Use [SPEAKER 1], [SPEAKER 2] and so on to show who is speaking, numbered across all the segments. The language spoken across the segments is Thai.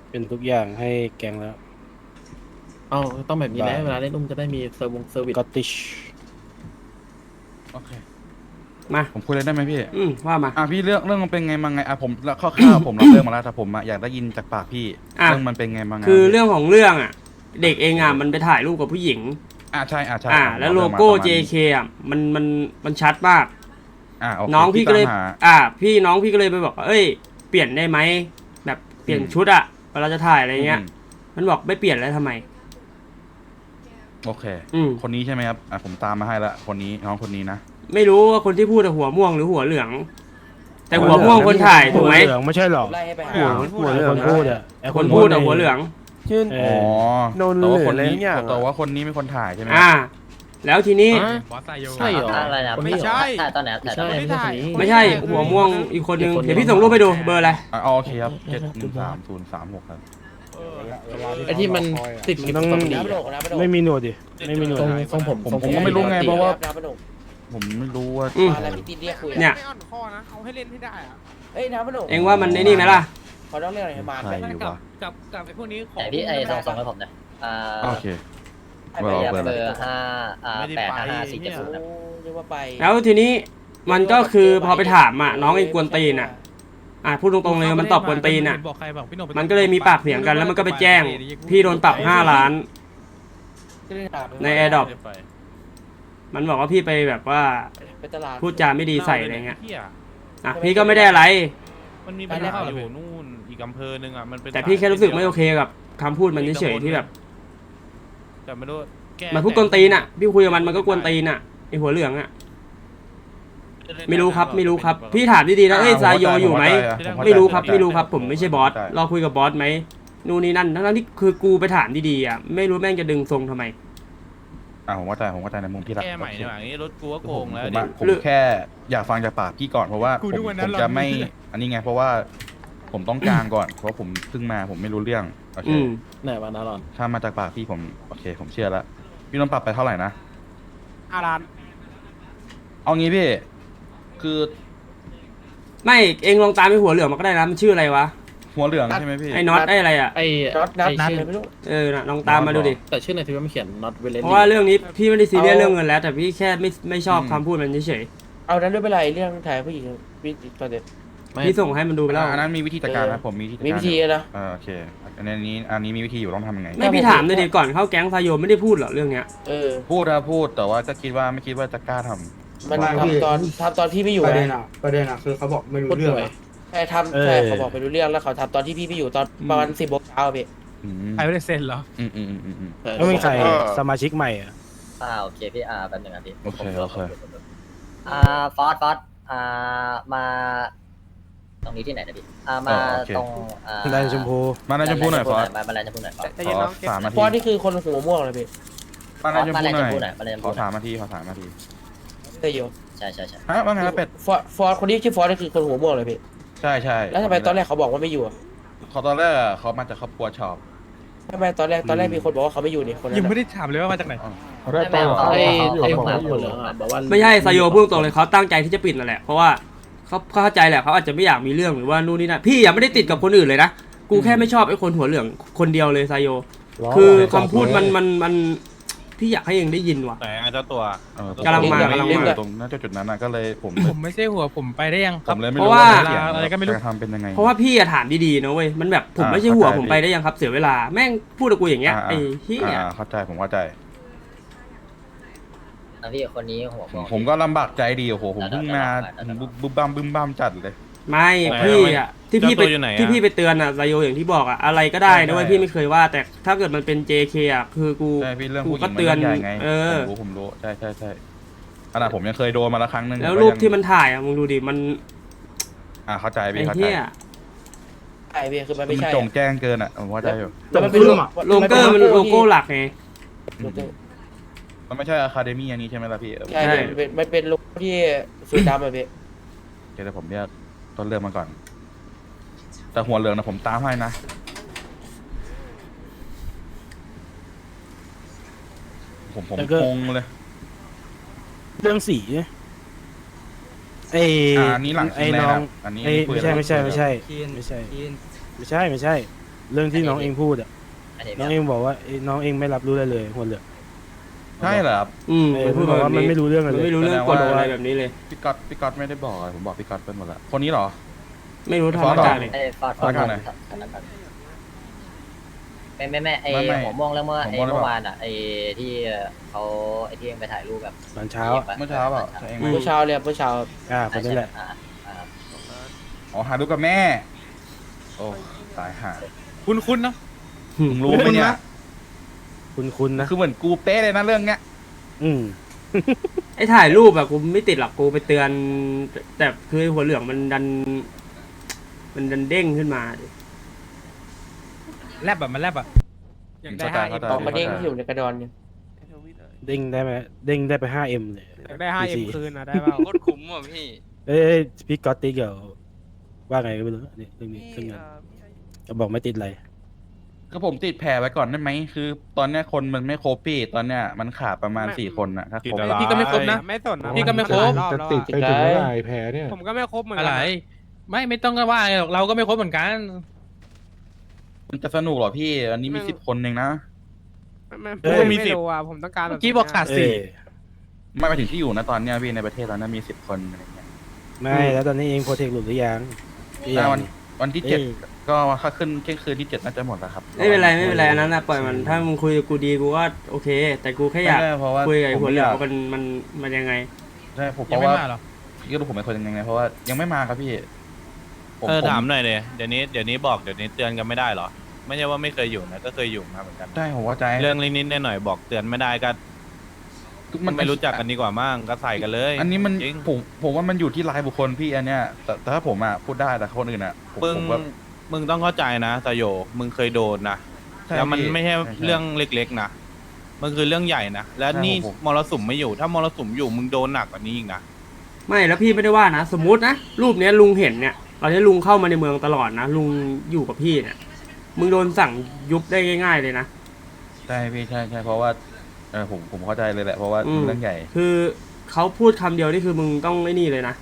[SPEAKER 1] เป็นทุกอย่างให้แกงแล้ว
[SPEAKER 2] เอาต้องแบบนี้แหละ
[SPEAKER 1] บาย
[SPEAKER 2] เวลาเล่นอุ้มจะได้มีเซอร์วิส
[SPEAKER 1] กอตติช
[SPEAKER 3] โอเค
[SPEAKER 4] มา
[SPEAKER 3] ผมคุยเลยได้ไหมพี่
[SPEAKER 4] ว่ามา
[SPEAKER 3] พี่เรื่องมันเป็นไงมาไงผมแล้วคร่าวๆผมรับเรื่องมาแล้วแต่ผมอยากได้ยินจากปากพี่
[SPEAKER 4] อ่ะ
[SPEAKER 3] เรื่องมันเป็นไงมาไง
[SPEAKER 4] คือ
[SPEAKER 3] พี่
[SPEAKER 4] เรื่องของเรื่องอ่ะ เด็กเองอ่ะมันไปถ่ายรูปกับผู้หญิง
[SPEAKER 3] ใช่ใช่
[SPEAKER 4] แล้วโลโก้ JK อ่ะมันชัดมาก
[SPEAKER 3] โอเค
[SPEAKER 4] น้องพี่ก็เลย
[SPEAKER 3] ตามห
[SPEAKER 4] น้องพี่ก็เลยไปบอกว่าเอ้ยเปลี่ยนได้ไหมแบบเปลี่ยนชุดอ่ะเวลาจะถ่ายอะไรเงี้ยมันบอกไม่เปลี่ยนแล้วทำไม
[SPEAKER 3] โอเคคนนี้ใช่ไหมครับผมตามมาให้ละคนนี้น้องคนนี้นะ
[SPEAKER 4] ไม่รู้ว่าคนที่พูดหัวม่วงหรือหัวเหลือง แต่หัวม่วงคนถ่ายถูกไหม
[SPEAKER 1] หัวเหลืองไม่ใช่หรอหัวเหลืองคนพูดอ่ะ
[SPEAKER 4] คนพูดหัวเหลือง
[SPEAKER 1] ชื่อ
[SPEAKER 3] โนนเลยคนนี้แต่ว่าคนนี้เป็นคนถ่ายใช่ไหม
[SPEAKER 4] แล้วทีนี้
[SPEAKER 2] ใช่เหรอ
[SPEAKER 5] อะไรนะ
[SPEAKER 2] ไม่ใช่
[SPEAKER 5] ถ่ายตอนไหนถ่ายตอนไหน
[SPEAKER 4] ไม่ใช่หัวม่วงอีกคนนึงเดี๋ยวพี่ส่งรูปไปดูเบอร์อะไร
[SPEAKER 3] โอเคครับ71336ครับ
[SPEAKER 2] ไอ้ที่มันติดกิฟต์ต้องดี
[SPEAKER 1] ไม่มีหนวดดิไม่มีหนวด
[SPEAKER 2] ทรงผม
[SPEAKER 3] ก็ไม่รู้ไงเพราะว่าผมไม่รู้ว่า
[SPEAKER 4] อะไรพี่ตีเรียกคุยเนี่ย
[SPEAKER 6] ไม่อ่อนคอนะเอาให้เล่นให้ได้อะ
[SPEAKER 4] เอ้ยน้ำมันเองว่ามันในนี่ไหมล่ะ
[SPEAKER 6] เขาต้องเรียกอะไรมา
[SPEAKER 3] ใครอยู่วะ
[SPEAKER 6] กับไอ้พวกนี้ของ
[SPEAKER 5] แต่พี่ไอ้ส่งให้ผมหน่อย
[SPEAKER 3] โอเค
[SPEAKER 5] เบอร์5 8 5 4 7 0
[SPEAKER 4] แล้วทีนี้มันก็คือพอไปถามน้องเองกวนตีนพูดตรงๆเลยมันตอบกวนตีนมันก็เลยมีปากเสียงกันแล้วมันก็ไปแจ้งพี่โดนปรับ5 ล้านในแอร์ดรอปมันบอกว่าพี่ไปแบบว่าพูดจาไม่ดีใส่อะไรเงี้ยพี่ก็ไม่ได้อะไร
[SPEAKER 6] มันมีปัญหาอยู่นู่นอีกอำเภอหนึ่งมันเป็น
[SPEAKER 4] แต่พี่แค่รู้สึกไม่โอเคกับคำพูดมันเฉยๆที่แบบ
[SPEAKER 6] แต่ไม่รู้
[SPEAKER 4] มันพูดกวนตีนพี่คุยกับมันก็กวนตีนไอหัวเหลืองไม่รู้ครับพี่ถามดีๆนะซายโยอยู่ไหมไม่รู้ครับผมไม่ใช่บอสรอคุยกับบอสไหมนู่นนี่นั่นทั้งที่คือกูไปถามดีๆไม่รู้แม่งจะดึงทรงทำไม
[SPEAKER 3] ผมว่าใจในมุมพี่ละ
[SPEAKER 6] แก้ใหม่เนี่ยอย่างนี้รถกูก็โกงแล้ว
[SPEAKER 3] ผมแค่อยากฟังจากปากพี่ก่อนเพราะว่าผมจะไม่อันนี้ไงเพราะว่าผมต้องกลางก่อนเพราะผมเพิ่งมาผมไม่รู้เรื่องโอเค
[SPEAKER 2] ไหนวะนาหลอน
[SPEAKER 3] ถ้ามาจากปากพี่ผมโอเคผมเชื่อแล้วพี่ต้องปรับไปเท่าไหร่นะ
[SPEAKER 6] 5 ล้าน
[SPEAKER 3] เอางี้พี่คือ
[SPEAKER 4] ไม่เองลองตามไปหัวเหลืองมาก็ได้นะมันชื่ออะไรวะ
[SPEAKER 3] หัวเหลืองใช่ไหมพี่
[SPEAKER 4] ไอ้น็อตไอ้อะไร
[SPEAKER 2] ไอ้
[SPEAKER 4] น็อตไม่รู้ลองตามมาดูดิ
[SPEAKER 2] แต่ชื่อในทวิตมันเขียน not
[SPEAKER 4] เพราะว่าเรื่องนี้พี่ไม่ได้ซีเรียสเรื่องเงินแล้วแต่พี่แค่ไม่ชอบคำพูดมันเฉย
[SPEAKER 6] เอานั้นด้วยเป็นไรเรื่องถ่ายผู้หญิงประเด็น
[SPEAKER 4] พี่ส่งให้มันดูไปแล้ว
[SPEAKER 3] อันนั้นมีวิธีจัดการนะผมมี
[SPEAKER 6] วิธีนะ
[SPEAKER 3] โอเคอันนี้มีวิธีอยู่ต้องทำยังไง
[SPEAKER 4] ไม่พี่ถามเลยดิก่อนเข้าแก๊งซายโยไม่ได้พูดหรอเรื่องเนี้ย
[SPEAKER 3] พูดแต่ว่าก็ไม่คิดว่าจะกล้าทำ
[SPEAKER 6] มันทำตอนที่ไม่อยู่
[SPEAKER 7] ประเด็นคือเขาบอกไม่รู้เรื่อง
[SPEAKER 6] ใช่เขาบอกไม่รู้เรื่องแล้วเขาทำตอนที่พี่ไม่อยู่ตอนประมาณ10 โมงเช้าพี่
[SPEAKER 7] ใครไม่ได้เซ็นเหรอ
[SPEAKER 1] แล้วมีใครสมาชิกใหม่
[SPEAKER 5] โอเคพี่แป๊บนึงพี่
[SPEAKER 3] โอเค
[SPEAKER 5] ฟอสมาตรงนี้ที่ไหนนะพี่มาตรง
[SPEAKER 1] แลนชมพู
[SPEAKER 3] มาแลนชมพูหน่อยฟอส
[SPEAKER 5] มาแลนชมพูหน่อยฟอส
[SPEAKER 3] 3 นาที
[SPEAKER 6] ฟอสนี่คือคนหัวม่วงเลยพี่
[SPEAKER 3] มาแลนชมพูหน่อยขอ3 นาที
[SPEAKER 6] แต่อยู่
[SPEAKER 5] ใช่
[SPEAKER 3] ว่าไงเป็ด
[SPEAKER 6] ฟอสคนนี้ชื่อฟอสนี่คือคนหัวม่วงเลยพี่
[SPEAKER 3] ใช่
[SPEAKER 6] แล้วทำไมตอนแรกเขาบอกว่าไม่อยู่
[SPEAKER 3] เขาตอนแรกเขามาจากครอบครัวชอบ
[SPEAKER 6] ทำไมตอนแรกมีคนบอกว่าเขาไม่อยู่นี่คน
[SPEAKER 7] ยังไม่ได้ถามเลยว่ามาจากไหน
[SPEAKER 4] ไม่ใช่ซายโยพูดตรงเลยเขาตั้งใจที่จะปิดนั่นแหละเพราะว่าเขาเข้าใจแหละเขาอาจจะไม่อยากมีเรื่องหรือว่านู่นนี่นั่นพี่ยังไม่ได้ติดกับคนอื่นเลยนะกูแค่ไม่ชอบไอ้คนหัวเหลืองคนเดียวเลยซายโยคือคำพูดมันพี่อยากให้เองได้ยินว่ะ
[SPEAKER 3] แต่เจ้าตัว
[SPEAKER 4] กำลังมา
[SPEAKER 3] ตรงนั้นจุดนั้นก็เลยผม
[SPEAKER 7] ไม่ใช่หัวผมไปได้ยัง
[SPEAKER 3] ครับ
[SPEAKER 4] เพราะว่า
[SPEAKER 3] อะไรก็ไม่รู้ทำเป็นยังไง
[SPEAKER 4] เพราะว่าพี่ถามดีๆนะเว้ยมันแบบผมไม่ใช่หัวผมไปได้ยังครับเสียเวลาแม่งพูดกับกูอย่างเงี้ยไอ้เหี้ย
[SPEAKER 3] เข้าใจผมเข้าใจ
[SPEAKER 5] พี่คนนี้หัว
[SPEAKER 3] ผมก็ลำบากใจดีโอ้โหผมเพิ่งมาบึ้มบ้ามจัดเลย
[SPEAKER 4] ไม่พี่ที่พี่ไปเตือนซายโยอย่างที่บอกอะไรก็ได้นะเว้ยพี่ไม่เคยว่าแต่ถ้าเกิดมันเป็น JK คือกูก็เตือน
[SPEAKER 3] ผมรู้ใช่ขนาดผมยังเคยโดนมาแล้วครั้งนึง
[SPEAKER 4] แล้วรูปที่มันถ่ายมึงดูดิมัน
[SPEAKER 3] เข้าใจพี่เข้าใจ
[SPEAKER 6] ไอ้เบียคือมันไม่ใช่
[SPEAKER 3] จงแจ้งเกินผมว่าใจอยู่
[SPEAKER 6] แต่มันเป็น
[SPEAKER 4] โลโก้มันโลโก้หลักไง
[SPEAKER 3] มันไม่ใช่อะคาเดมี่อันนี้ใช่ไหมล่ะพี่
[SPEAKER 6] ใช่มันเป็นโลโก้ที่สีดำพี่
[SPEAKER 3] เดี๋ยวผมเรียกต้นเรื่องมาก่อนแต่หัวเหลืองนะผมตามให้นะผมงงเลย
[SPEAKER 1] เรื่องสี
[SPEAKER 3] อันนี้หลัง
[SPEAKER 1] ไอ้น้อง
[SPEAKER 3] อันนี้
[SPEAKER 1] ไม่ใช่เรื่องที่น้องเองพูดอ่ะ
[SPEAKER 5] อันนี้
[SPEAKER 1] น้องเองบอกว่าน้องเองไม่รับรู้อะไรเลยหัวเหลือง
[SPEAKER 3] ใช่เหรอครับ
[SPEAKER 1] มันพูดบอกว่ามันไม่รู้เรื่องอะไร
[SPEAKER 4] มัน
[SPEAKER 1] เลย
[SPEAKER 4] ไม่รู้เรื่องกฎอะไรแบบนี้เลย
[SPEAKER 3] พี่ก๊อตไม่ได้บอกอะผมบอกพี่ก๊อตไปหมดละคนนี้เหรอ
[SPEAKER 4] ไม่รู้
[SPEAKER 3] ฟอส
[SPEAKER 4] ทำ
[SPEAKER 3] เหรอ
[SPEAKER 4] มาจากไหน
[SPEAKER 5] ไอ้ฟอด
[SPEAKER 3] ฟอดก่อนหน่อย
[SPEAKER 5] ไม่ไอ้
[SPEAKER 3] ไม่
[SPEAKER 5] หัวม่วงแล้วเมื่อ
[SPEAKER 3] หัว
[SPEAKER 5] ไอ้
[SPEAKER 3] ม่วงหรือเปล่า
[SPEAKER 5] เมื่อวานอ่ะไอ้ที่เขาไอ้ที่ยังไปถ่ายรูปแบบ
[SPEAKER 1] ตอนเช้าอะ
[SPEAKER 3] เมื่อเช้าเปล่าใช่ไหม
[SPEAKER 6] เมื่อเช้าเลยเมื่อเช้า
[SPEAKER 1] คนนี้แหละ
[SPEAKER 3] อ๋อหาดูกับแม่ โอ้ตายห่า
[SPEAKER 7] คุณเนาะ
[SPEAKER 3] มึงรู้ไหมเนี่ย
[SPEAKER 1] คุณนะ
[SPEAKER 3] คือเหมือนกูเป๊ะเลยนะเรื่องเนี้ย
[SPEAKER 1] อืม
[SPEAKER 4] ไอ้ถ่ายรูปอะกูไม่ติดหรอกกูไปเตือน แต่คือหัวเหลืองมันดันเด้งขึ้นมาดิ
[SPEAKER 7] แลบแบบมันแลบอ่ะอยากได้
[SPEAKER 3] เข้าใจ
[SPEAKER 7] 5M
[SPEAKER 6] ตอนมาเด้งที่อยู่ในกระดอนเนี่ย
[SPEAKER 1] เด้งได้ไหมเด้งได้ไป 5M เลย
[SPEAKER 7] อยากได้ 5M คืนนะได้เปล่า
[SPEAKER 8] โคตรคุ้มอ่ะพี่
[SPEAKER 1] เอ้ยพี่ก๊อตติ๊กเดี๋ยวว่าไงก็ไม่รู้นี่เรื่องนี้เรื่องงานจะบอกไม่ติดอะไร
[SPEAKER 3] ก็ผมติดแผลไว้ก่อนได้ไหมคือ ตอนเนี้ยคนมันไม่ครบพี่ตอนเนี้ยมันขาดประมาณ4 คนนะถ้าครบ
[SPEAKER 7] พี่ก็ไม่ครบนะไม่สนนะพี่ก็ไม่ครบ
[SPEAKER 9] จะติดไปถึงเมื่อไหร่แผลเนี่ย
[SPEAKER 7] ผมก็ไม่ครบเหมือนกันอะไรไม่ต้องก็ว่าหรอกเราก็ไม่ครบเหมือนกัน
[SPEAKER 3] มันจะสนุกเหรอพี่อันนี้มี10 คนเองนะ
[SPEAKER 7] ไม่รู้อ่ะผมต้องการเมื่อกี้บอกขาด
[SPEAKER 1] เอ้ย
[SPEAKER 3] ไม่ไปถึงที่อยู่นะตอนเนี้ยพี่ในประเทศตอนนั้นมี10 คนอะไรเงี้ย
[SPEAKER 1] ไม่แล้วตอนนี้เองโปรเทคหลุดหรือยังหรือ
[SPEAKER 3] แต่
[SPEAKER 1] ยัง
[SPEAKER 3] วันที่
[SPEAKER 1] เอ้ย
[SPEAKER 3] 7ก็ถ้าขึ้นเที่ยงคืนที่7น่าจะหมดแล้วครับ
[SPEAKER 4] ไม่เป็นไรอันนั้นนะปล่อยมันถ้ามึงคุยกับกูดีกูก็โอเค แต่กูแค่อยาก
[SPEAKER 3] ไม่ได้เพราะว่า
[SPEAKER 4] คุยกับไอ้
[SPEAKER 3] ผม
[SPEAKER 4] หัว
[SPEAKER 3] ไม่
[SPEAKER 4] เหลื
[SPEAKER 3] อ
[SPEAKER 4] อง
[SPEAKER 3] ยาก
[SPEAKER 4] ว่ามันยังไง
[SPEAKER 3] ใช่ผมเพ
[SPEAKER 7] ยัง
[SPEAKER 3] ราะ
[SPEAKER 7] ไม่
[SPEAKER 3] ว่า
[SPEAKER 7] มาหรอ
[SPEAKER 3] พี่ก็รู้ผมเป็นคนยังไงเพราะว่ายังไม่มาครับพี่ผม
[SPEAKER 8] ถามหน่อยเลยเดี๋ยวนี้บอกเดี๋ยวนี้เตือนกันไม่ได้เหรอ ไม่ใช่ว่าไม่เคยอยู่นะก็เคยอยู่มาเหมือนกัน
[SPEAKER 3] ใช่ผมเข้าใจ
[SPEAKER 8] เรื่องนิดๆหน่อยๆบอกเตือนไม่ได้ก็มันไม่รู้จักกันดีกว่ามั่งก็ใส่กันเลย
[SPEAKER 3] อันนี้มัน
[SPEAKER 8] จริง
[SPEAKER 3] ผมว่ามันอยู่ที่รายบุคคลพี่อันเนี้ยแต่ถ้าผมอ่ะพูดได้แต่คนอื่นอ่ะผม
[SPEAKER 8] มึง
[SPEAKER 3] แบบ
[SPEAKER 8] มึงต้องเข้าใจนะตาโยมึงเคยโดนนะ
[SPEAKER 3] ใช่
[SPEAKER 8] แล้วมัน
[SPEAKER 3] พี่
[SPEAKER 8] ไม่ใช่
[SPEAKER 3] ใช่
[SPEAKER 8] เรื่องเล็กๆนะมันคือเรื่องใหญ่นะแล้ว
[SPEAKER 3] ใช่
[SPEAKER 8] นี่
[SPEAKER 3] ผม
[SPEAKER 8] มรสุมไม่อยู่ถ้ามรสุมอยู่มึงโดนหนักกว่านี้อีกนะ
[SPEAKER 4] ไม่แล้วพี่ไม่ได้ว่านะสมมุตินะรูปเนี้ยลุงเห็นเนี่ยตอนนี้ลุงเข้ามาในเมืองตลอดนะลุงอยู่กับพี่เนี่ยมึงโดนสั่งยุบได้ง่าย ๆเลยนะ
[SPEAKER 3] ใช่พี่ใช่เพราะว่าผมเข้าใจเลยแหละเพราะว่า
[SPEAKER 4] อืม
[SPEAKER 3] เรื่องใหญ่
[SPEAKER 4] คือเขาพูดคำเดียวนี่คือมึงต้องไอ้นี่เลยนะ